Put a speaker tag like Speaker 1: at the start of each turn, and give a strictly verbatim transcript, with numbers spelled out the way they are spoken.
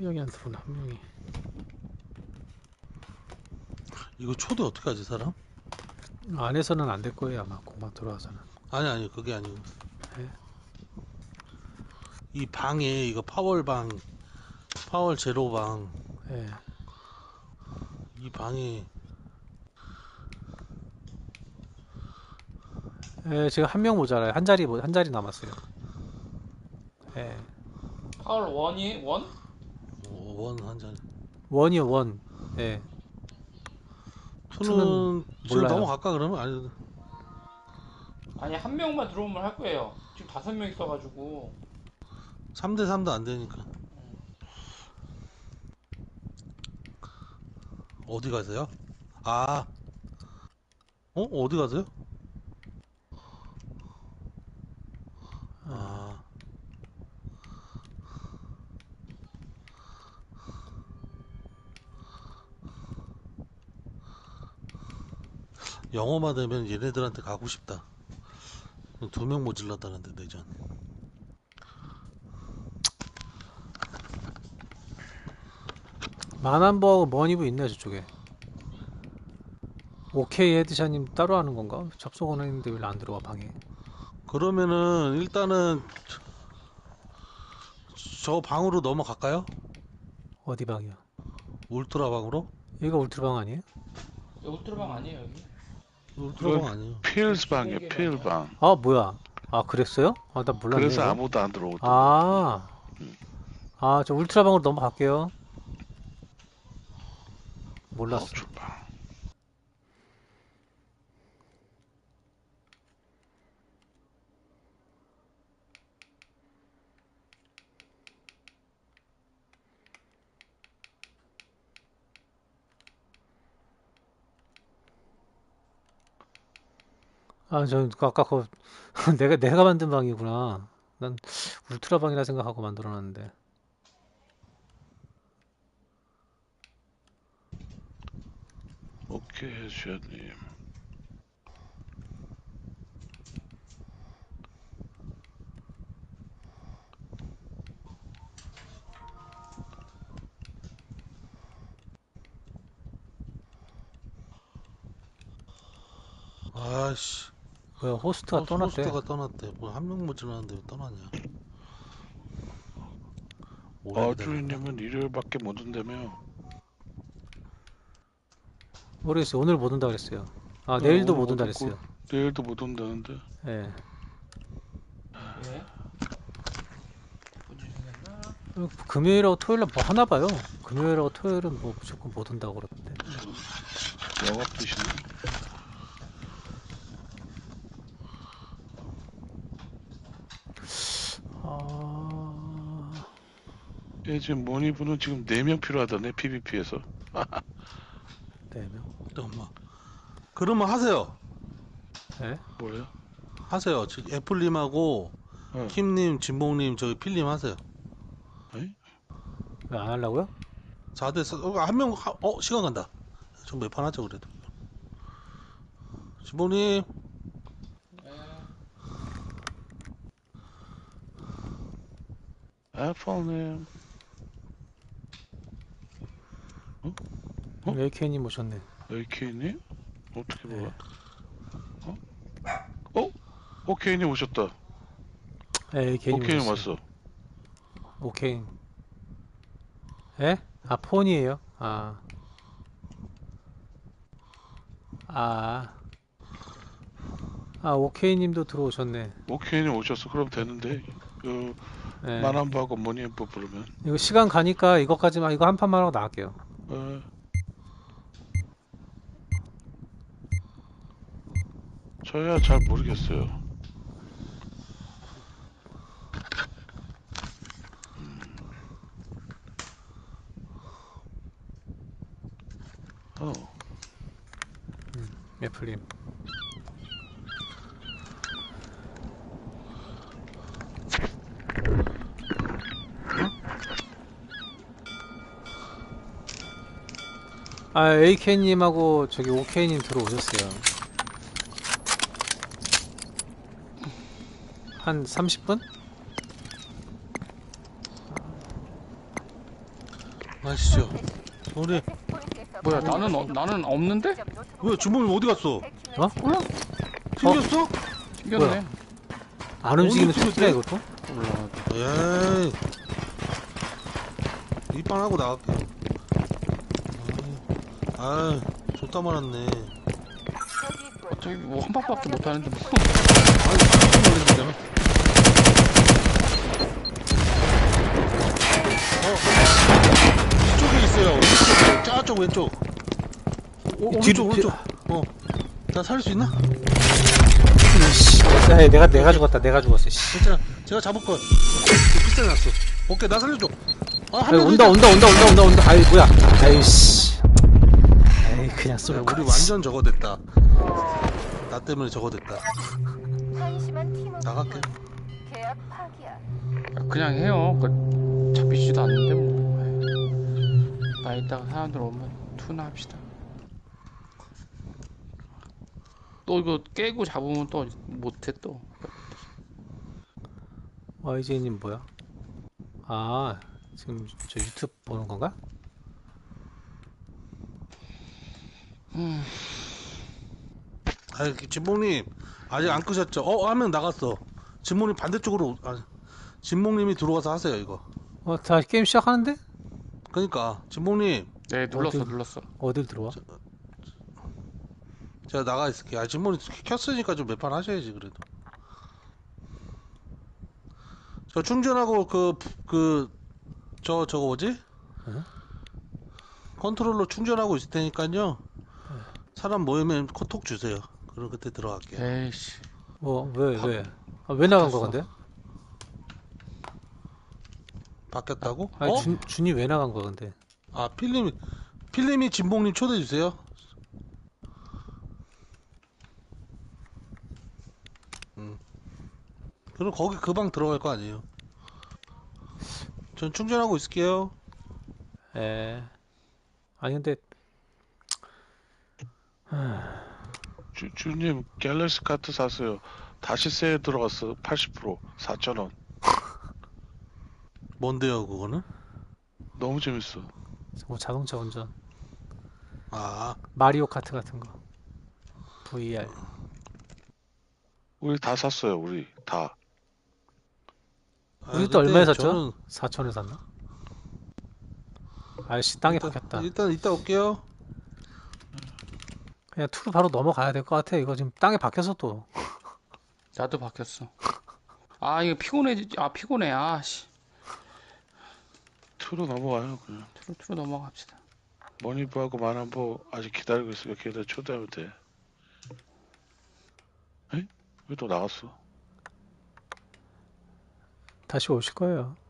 Speaker 1: 명이 안 들어오나, 한 명이.
Speaker 2: 이거 초대 어떻게 하지 사람?
Speaker 1: 안에서는 안 될 거예요, 아마. 공방 들어와서는.
Speaker 2: 아니 아니 그게 아니고
Speaker 1: 네?
Speaker 2: 이 방에 이거 파월방 파월 제로방
Speaker 1: 예.
Speaker 2: 이 방에
Speaker 1: 예, 지금 한 명 모자라요. 한 자리, 모- 한 자리 남았어요. 예.
Speaker 3: 파울 원이 원?
Speaker 2: 원 한 잔.
Speaker 1: 원이요, 원. 예. 투는
Speaker 2: 투는 지금
Speaker 1: 몰라요.
Speaker 2: 넘어갈까 그러면? 아니
Speaker 3: 아니 한 명만 들어오면 할 거예요. 지금 다섯 명 있어가지고.
Speaker 2: 삼 대 삼도 안 되니까. 어디 가세요? 아, 어? 어디 가세요? 아, 영어만 되면 얘네들한테 가고 싶다. 두 명 모질렀다는데 내전.
Speaker 1: 만한부하고 머니부 있네요, 저쪽에. 오케이 헤드샷님 따로 하는 건가? 접속은 했는데 왜 안 들어와, 방에?
Speaker 2: 그러면은 일단은 저 방으로 넘어갈까요?
Speaker 1: 어디 방이야?
Speaker 2: 울트라 방으로?
Speaker 1: 여기가 울트라방 아니에요?
Speaker 3: 여기 울트라방 아니에요 여기?
Speaker 2: 울트라 방 아니에요.
Speaker 4: 필스 방이에요,
Speaker 3: 비공개
Speaker 4: 필
Speaker 3: 방이야.
Speaker 4: 방.
Speaker 1: 아, 뭐야? 아, 그랬어요? 아, 나 몰랐네,
Speaker 4: 그래서
Speaker 1: 이거.
Speaker 4: 아무도 안 들어오던 거.
Speaker 1: 아, 아, 저 울트라방으로 넘어갈게요. 몰랐어.
Speaker 4: 아웃출 방.
Speaker 1: 아, 저 아까 그 내가 내가 만든 방이구나. 난 울트라방이라 생각하고 만들어놨는데.
Speaker 4: 오케이, 해주셔님.
Speaker 2: 아씨,
Speaker 1: 뭐야, 호스트가
Speaker 2: 어,
Speaker 1: 떠났대.
Speaker 2: 호스트가 떠났대. 뭐 한 명 모질렀는데 왜 떠났냐? 오래 기다렸나?
Speaker 4: 어주인님은 일요일밖에 못 온다며.
Speaker 1: 모르겠어요. 오늘 못 온다 그랬어요. 아,
Speaker 4: 어,
Speaker 1: 내일도
Speaker 4: 오늘
Speaker 1: 못 온다
Speaker 4: 못 오고
Speaker 1: 그랬어요.
Speaker 4: 내일도 못 온다는데.
Speaker 1: 예.
Speaker 3: 예? 본진이었나?
Speaker 1: 어, 금요일하고 토요일날 뭐 하나 봐요. 금요일하고 토요일은 뭐 무조건 못 온다고 그러던데.
Speaker 4: 영업 드시네.
Speaker 1: 아,
Speaker 4: 예, 지금 모니브는 지금 네 명 필요하다네, 피비피에서.
Speaker 1: 네 명.
Speaker 2: 잠깐만. 그러면 하세요.
Speaker 1: 예?
Speaker 4: 뭐예요?
Speaker 2: 하세요. 지금 애플님하고
Speaker 4: 어.
Speaker 2: 킴님, 진봉님, 저기 필님 하세요.
Speaker 4: 에이?
Speaker 1: 왜 안 하려고요?
Speaker 2: 사 대 사, 어, 한 명, 하- 어, 시간 간다. 좀 몇 판 하죠, 그래도. 진봉님,
Speaker 3: 예.
Speaker 4: 애플님. 어? 어?
Speaker 1: 에이케이님 오셨네.
Speaker 4: 에이케이님? 어떻게
Speaker 1: 네.
Speaker 4: 몰라? 어? 어? 오케이님 오셨다.
Speaker 1: 예, 에이케이님
Speaker 4: 오케이님
Speaker 1: 오셨어요.
Speaker 4: 왔어.
Speaker 1: 오케이. 예? 아, 폰이에요? 아. 아. 아, 오케이님도 들어오셨네.
Speaker 4: 오케이님 오셨어. 그럼 되는데. 그
Speaker 1: 예.
Speaker 4: 만한부하고 모니브 부르면.
Speaker 1: 이거 시간 가니까 이거까지만, 이거 한 판만 하고 나갈게요.
Speaker 4: 어. 저야 잘 모르겠어요. 어.
Speaker 1: 애플님. 아, 에이케이님하고 저기 오케이님 들어오셨어요. 한 삼십 분?
Speaker 2: 아시죠? 우리
Speaker 3: 뭐야 나는 어, 나는 없는데?
Speaker 2: 왜 주몽님 어디 갔어?
Speaker 1: 어?
Speaker 3: 몰라.
Speaker 2: 튕겼어?
Speaker 3: 튕겼네.
Speaker 1: 안 움직이는
Speaker 2: 어디
Speaker 1: 토끼야
Speaker 2: 튀겼대?
Speaker 1: 이것도?
Speaker 3: 몰라.
Speaker 2: 에이. 입방하고 나갈게. 아, 좋다 말았네.
Speaker 3: 저기 뭐 한 방밖에 못 하는데 뭐.
Speaker 2: 아니, 깜짝 놀랐잖아. 어, 이쪽에 있어요. 이쪽에. 저쪽 왼쪽. 오,
Speaker 1: 뒤로,
Speaker 2: 오른쪽, 오른쪽. 어. 나 살릴 수 있나?
Speaker 1: 씨, 야, 내가 내가 죽었다. 내가 죽었어. 씨.
Speaker 2: 괜찮아. 제가 잡을 거. 비싸게 났어. 오케이, 나 살려줘. 아, 한
Speaker 1: 아이,
Speaker 2: 명
Speaker 1: 온다, 온다, 온다, 온다, 온다, 온다. 아이, 뭐야? 아이씨. 에이, 그냥 쏠
Speaker 2: 야,
Speaker 1: 거.
Speaker 2: 우리 완전 저거 됐다. 나 때문에 저거 됐다. 나갈게.
Speaker 5: 계약 파기야.
Speaker 3: 그냥 해요. 그 잡히지도 않는데 뭐. 나 이따가 사람들 오면 투나 합시다. 또 이거 깨고 잡으면 또 못해 또.
Speaker 1: 와이제이님 뭐야? 아, 지금 저 유튜브 보는 건가?
Speaker 2: 아, 진몽님 아직 안 끄셨죠? 어, 한 명 나갔어. 진몽님 반대쪽으로. 아, 진몽님이 들어와서 하세요 이거.
Speaker 1: 어, 다 게임 시작하는데?
Speaker 2: 그러니까 진몽님
Speaker 3: 네 눌렀어
Speaker 1: 어디-
Speaker 3: 눌렀어.
Speaker 1: 어딜 들어와?
Speaker 2: 제가 나가 있을게요. 아, 진몽님 켰으니까 좀 몇 판 하셔야지 그래도. 저 충전하고 그 그 저 저거 뭐지?
Speaker 1: 응?
Speaker 2: 컨트롤러 충전하고 있을 테니까요. 사람 모이면 코톡 주세요. 그럼 그때 들어갈게요.
Speaker 3: 에이씨.
Speaker 1: 뭐, 왜, 왜? 아, 왜 나간 거
Speaker 3: 바뀌었어.
Speaker 1: 근데?
Speaker 2: 바뀌었다고?
Speaker 1: 아니,
Speaker 2: 어?
Speaker 1: 준, 준이 왜 나간 거야 근데?
Speaker 2: 아, 필름이 필름이 진봉님 초대해 주세요. 음. 그럼 거기 그 방 들어갈 거 아니에요? 전 충전하고 있을게요.
Speaker 1: 에. 아니 근데
Speaker 4: 주, 주님 갤럭시 카트 샀어요. 다시 세일 들어갔어. 팔십 퍼센트 사천 원.
Speaker 2: 뭔데요, 그거는?
Speaker 4: 너무 재밌어.
Speaker 1: 뭐 자동차 운전,
Speaker 2: 아,
Speaker 1: 마리오 카트 같은 거, 브이알.
Speaker 4: 우리 다 샀어요. 우리 다.
Speaker 2: 아,
Speaker 1: 우리 또
Speaker 2: 그때
Speaker 1: 얼마에 샀죠?
Speaker 2: 저는
Speaker 1: 사천에 샀나? 아이씨 땅에
Speaker 2: 일단,
Speaker 1: 박혔다.
Speaker 2: 일단 이따 올게요.
Speaker 1: 그냥 투로 바로 넘어가야 될 것 같아. 이거 지금 땅에 박혀서 또.
Speaker 3: 나도 바뀌었어. 아 이거 피곤해. 아 피곤해. 아씨.
Speaker 4: 투로 넘어가요. 그냥.
Speaker 3: 투로 투로 넘어갑시다.
Speaker 4: 머니부하고 만한부 아직 기다리고 있으니까 걔들 초대하면 돼. 에? 왜 또 나갔어?
Speaker 1: 다시 오실 거예요.